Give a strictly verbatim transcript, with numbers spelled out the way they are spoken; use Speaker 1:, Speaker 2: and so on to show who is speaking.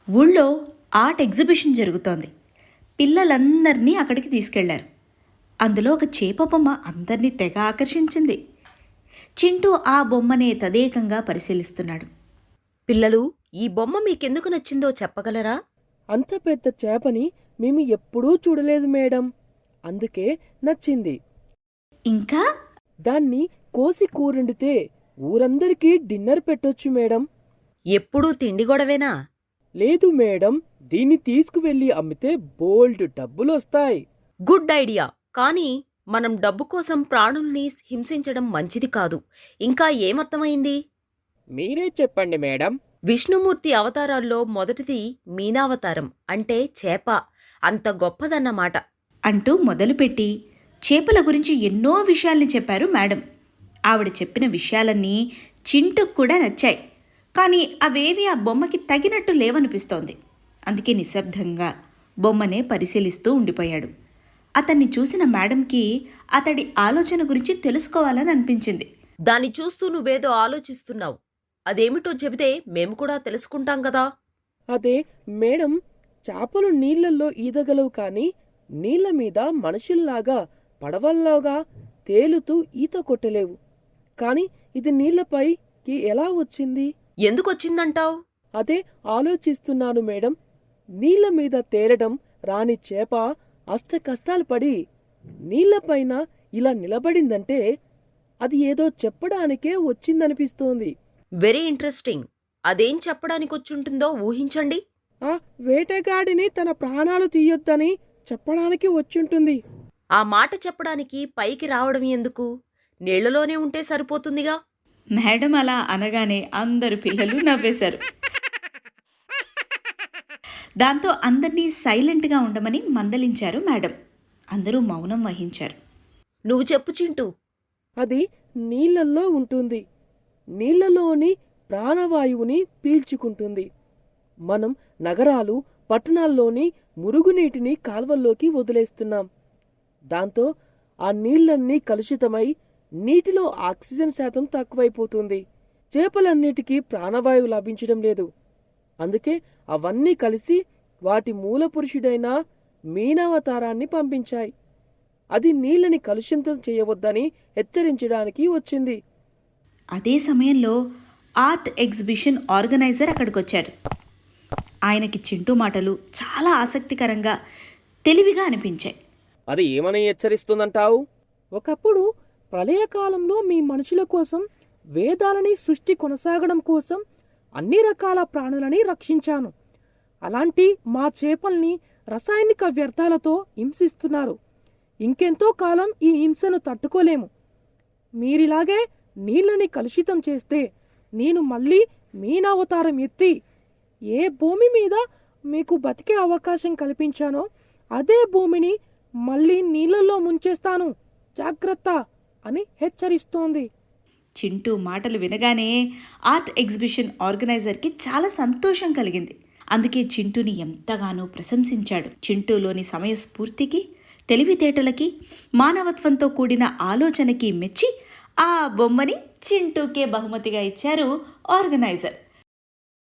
Speaker 1: ఊళ్ళో art exhibition జరుగుతోంది. పిల్లలందరినీ అక్కడికి తీసుకెళ్లారు. అందులో ఒక చేప బొమ్మ అందరినీ తెగ ఆకర్షించింది. చింటూ ఆ బొమ్మనే తదేకంగా పరిశీలిస్తున్నాడు.
Speaker 2: పిల్లలు, ఈ బొమ్మ మీకెందుకు నచ్చిందో చెప్పగలరా?
Speaker 3: అంత పెద్ద చేపని మేము ఎప్పుడూ చూడలేదు మేడం, అందుకే నచ్చింది.
Speaker 1: ఇంకా
Speaker 3: దాన్ని కోసి కూరండితే ఊరందరికీ డిన్నర్ పెట్టొచ్చు మేడం.
Speaker 2: ఎప్పుడూ తిండి గొడవేనా?
Speaker 3: లేదు మేడం, దీన్ని తీసుకువెళ్ళి అమ్మితే బోల్డ్ డబ్బులొస్తాయి.
Speaker 2: Good idea. కానీ మనం డబ్బు కోసం ప్రాణుల్ని హింసించడం మంచిది కాదు. ఇంకా ఏమర్థమైంది?
Speaker 3: మీరే చెప్పండి మేడం.
Speaker 2: విష్ణుమూర్తి అవతారాల్లో మొదటిది మీనావతారం, అంటే చేప. అంత గొప్పదన్నమాట.
Speaker 1: అంటూ మొదలుపెట్టి చేపల గురించి ఎన్నో విషయాల్ని చెప్పారు మేడం. ఆవిడ చెప్పిన విషయాలన్నీ చింటుకు కూడా నచ్చాయి. కానీ అవేవి ఆ బొమ్మకి తగినట్టు లేవనిపిస్తోంది. అందుకే నిశ్శబ్దంగా బొమ్మనే పరిశీలిస్తూ ఉండిపోయాడు. అతన్ని చూసిన మేడంకి అతడి ఆలోచన గురించి తెలుసుకోవాలని అనిపించింది.
Speaker 2: దాన్ని చూస్తూ నువ్వేదో ఆలోచిస్తున్నావు. అదేమిటో చెబితే మేము కూడా తెలుసుకుంటాం కదా.
Speaker 3: అదే మేడం, చేపలు నీళ్లల్లో ఈదగలవు కానీ నీళ్ల మీద మనుషుల్లాగా పడవల్లాగా తేలుతూ ఈత కొట్టలేవు. కానీ ఇది నీళ్లపైకి ఎలా వచ్చింది?
Speaker 2: ఎందుకొచ్చిందంటావు?
Speaker 3: అదే ఆలోచిస్తున్నాను మేడం. నీళ్ల మీద తేలడం రాని చేప అష్ట కష్టాలు పడి నీళ్లపైన ఇలా నిలబడిందంటే అది ఏదో చెప్పడానికే వచ్చిందనిపిస్తోంది.
Speaker 2: Very interesting. అదేం చెప్పడానికొచ్చుంటుందో ఊహించండి.
Speaker 3: ఆ వేటగాడిని తన ప్రాణాలు తీయొద్దని చెప్పడానికి వచ్చుంటుంది.
Speaker 2: ఆ మాట చెప్పడానికి పైకి రావడం ఎందుకు? నీళ్లలోనే ఉంటే సరిపోతుందిగా.
Speaker 1: మేడం అలా అనగానే అందరు పిల్లలు నవ్వేశారు. దాంతో అందర్నీ సైలెంట్గా ఉండమని మందలించారు మేడం. అందరూ మౌనం వహించారు.
Speaker 2: నువ్వు చెప్పు చింటూ.
Speaker 3: అది నీళ్లల్లో ఉంటుంది. నీళ్లలోని ప్రాణవాయువుని పీల్చుకుంటుంది. మనం నగరాలు పట్టణాల్లోని మురుగునీటిని కాల్వల్లోకి వదిలేస్తున్నాం. దాంతో ఆ నీళ్లన్నీ కలుషితమై నీటిలో ఆక్సిజన్ శాతం తక్కువైపోతుంది. చేపలన్నిటికీ ప్రాణవాయువు లభించడం లేదు. అందుకే అవన్నీ కలిసి వాటి మూలపురుషుడైన మీనావతారాన్ని పంపించాయి. అది నీళ్ళని కలుషితం చేయవద్దని హెచ్చరించడానికి వచ్చింది.
Speaker 1: అదే సమయంలో ఆర్ట్ ఎగ్జిబిషన్ ఆర్గనైజర్ అక్కడికొచ్చాడు. ఆయనకి చింటూ మాటలు చాలా ఆసక్తికరంగా తెలివిగా అనిపించాయి.
Speaker 3: అది ఏమని హెచ్చరిస్తుందంటావు? ఒకప్పుడు ప్రళయకాలంలో మీ మనుషుల కోసం, వేదాలని సృష్టి కొనసాగడం కోసం అన్ని రకాల ప్రాణులని రక్షించాను. అలాంటి మా చేపల్ని రసాయనిక వ్యర్థాలతో హింసిస్తున్నారు. ఇంకెంతో కాలం ఈ హింసను తట్టుకోలేము. మీరిలాగే నీళ్ళని కలుషితం చేస్తే నేను మళ్ళీ మీనావతారం ఎత్తి ఏ భూమి మీద మీకు బతికే అవకాశం కల్పించానో అదే భూమిని మళ్ళీ నీళ్ళల్లో ముంచేస్తాను, జాగ్రత్త అని హెచ్చరిస్తోంది.
Speaker 1: చింటూ మాటలు వినగానే ఆర్ట్ ఎగ్జిబిషన్ ఆర్గనైజర్కి చాలా సంతోషం కలిగింది. అందుకే చింటూని ఎంతగానో ప్రశంసించాడు. చింటూలోని సమయస్ఫూర్తికి, తెలివితేటలకి, మానవత్వంతో కూడిన ఆలోచనకి మెచ్చి ఆ బొమ్మని చింటూకే బహుమతిగా ఇచ్చారు ఆర్గనైజర్.